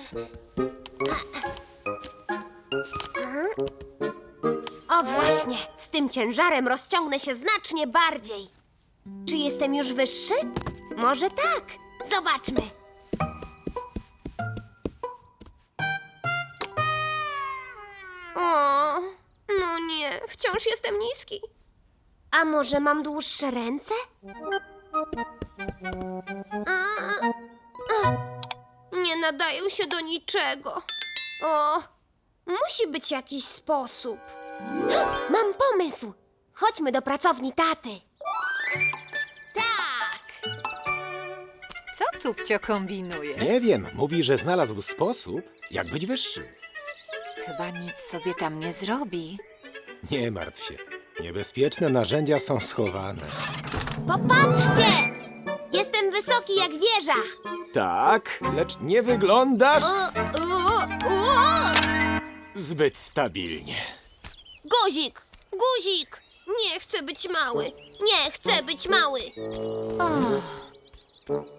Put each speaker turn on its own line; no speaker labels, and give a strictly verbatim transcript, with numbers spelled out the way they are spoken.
O właśnie, z tym ciężarem rozciągnę się znacznie bardziej. Czy jestem już wyższy? Może tak. Zobaczmy. O, no nie, wciąż jestem niski. A może mam dłuższe ręce? A, a, nie nadają się do niczego. O, musi być jakiś sposób. Mam pomysł. Chodźmy do pracowni taty. Tak.
Co Tupcio kombinuje?
Nie wiem, mówi, że znalazł sposób, jak być wyższy.
Chyba nic sobie tam nie zrobi.
Nie martw się. Niebezpieczne narzędzia są schowane.
Popatrzcie! Jestem wysoki jak wieża.
Tak, lecz nie wyglądasz
O, o, o!
zbyt stabilnie.
Guzik! Guzik! Nie chcę być mały. Nie chcę być mały.
O,